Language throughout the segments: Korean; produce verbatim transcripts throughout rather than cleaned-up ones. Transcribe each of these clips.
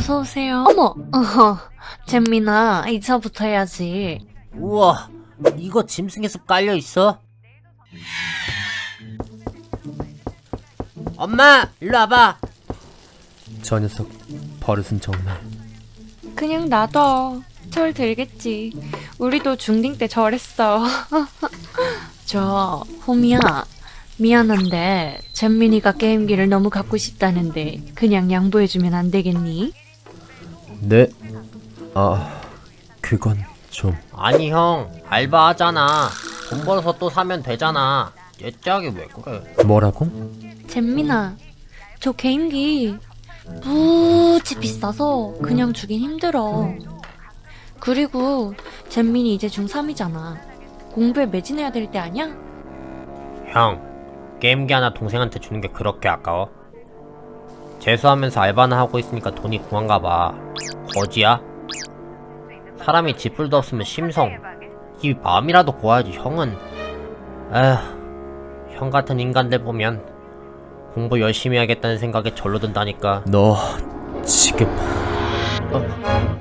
어서오세요. 어머! 어허, 잼민아, 이차부터 해야지. 우와, 이거 짐승의 숲 깔려있어? 엄마, 일로 와봐. 저 녀석 버릇은 정말. 그냥 놔둬. 철 들겠지. 우리도 중딩 때 저랬어. 저, 호미야. 미안한데 잼민이가 게임기를 너무 갖고 싶다는데 그냥 양보해주면 안 되겠니? 네? 아, 그건 좀. 아니 형, 알바하잖아. 돈 벌어서 또 사면 되잖아. 얘짝이 왜 그래? 뭐라고? 잼민아, 저 게임기 무지 비싸서 그냥 주긴 힘들어. 그리고 잼민이 이제 중삼이잖아. 공부에 매진해야 될 때 아니야? 형, 게임기 하나 동생한테 주는 게 그렇게 아까워? 재수하면서 알바나 하고 있으니까 돈이 궁한가 봐. 거지야? 사람이 지풀도 없으면 심성, 이 마음이라도 고와야지. 형은 에휴, 형 같은 인간들 보면 공부 열심히 해야겠다는 생각에 절로 든다니까. 너 지금 어?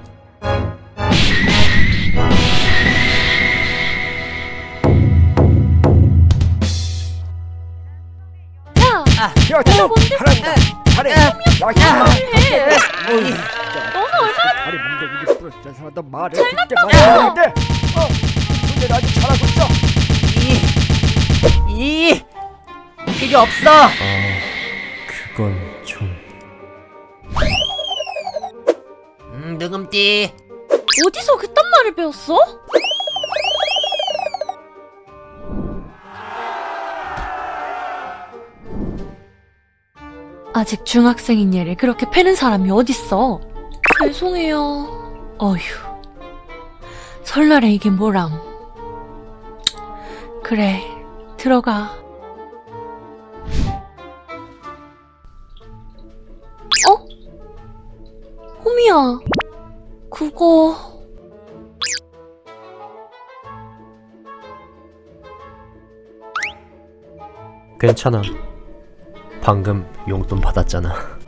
야! 야, 너 뭔데? 잘해. 야, 해! 어이, 너는 얼마나 다리 뭉개기를 부러져 사람도 말해. 듣게 말해야 돼. 어, 근데 아직 잘하고 있어. 이, 이, 필요 없어. 아, 그건 좀. 음, 느금띠. 어디서 그딴 말을 배웠어? 아직 중학생인 얘를 그렇게 패는 사람이 어딨어? 죄송해요. 어휴, 설날에 이게 뭐람. 그래, 들어가. 어? 호미야, 그거... 괜찮아. 방금 용돈 받았잖아.